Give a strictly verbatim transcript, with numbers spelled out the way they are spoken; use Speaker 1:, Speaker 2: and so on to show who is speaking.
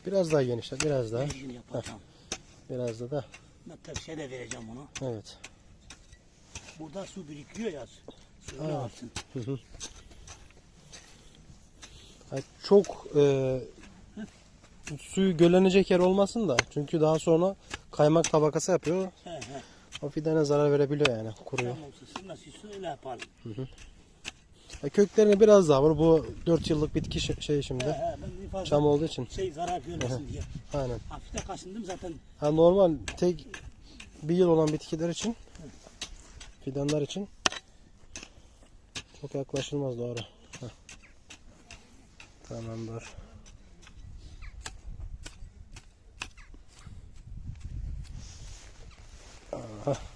Speaker 1: Biraz daha genişle, biraz daha.
Speaker 2: Mecbur yapacağım.
Speaker 1: Biraz da da.
Speaker 2: Ben tabii şey de vereceğim onu.
Speaker 1: Evet.
Speaker 2: Burada su birikiyor ya. Suyunu
Speaker 1: Evet.
Speaker 2: alsın.
Speaker 1: Hı hı. Yani çok e, suyu göllenecek yer olmasın da. Çünkü daha sonra kaymak tabakası yapıyor.
Speaker 2: He he.
Speaker 1: O fidene zarar verebiliyor yani. Kuruyor.
Speaker 2: Tamam olsun. Nasıl su öyle yapalım.
Speaker 1: Hı hı. Ya köklerini biraz daha vur. Bu dört yıllık bitki şey şey
Speaker 2: He
Speaker 1: şimdi.
Speaker 2: he. Ben bir fazla
Speaker 1: Çam olduğu için.
Speaker 2: şey zarar görmesin diye.
Speaker 1: Aynen.
Speaker 2: Hafif de kaşındım zaten.
Speaker 1: Ha, normal tek bir yıl olan bitkiler için, fidanlar için çok yaklaşılmaz, doğru. Heh. Tamamdır. Aha.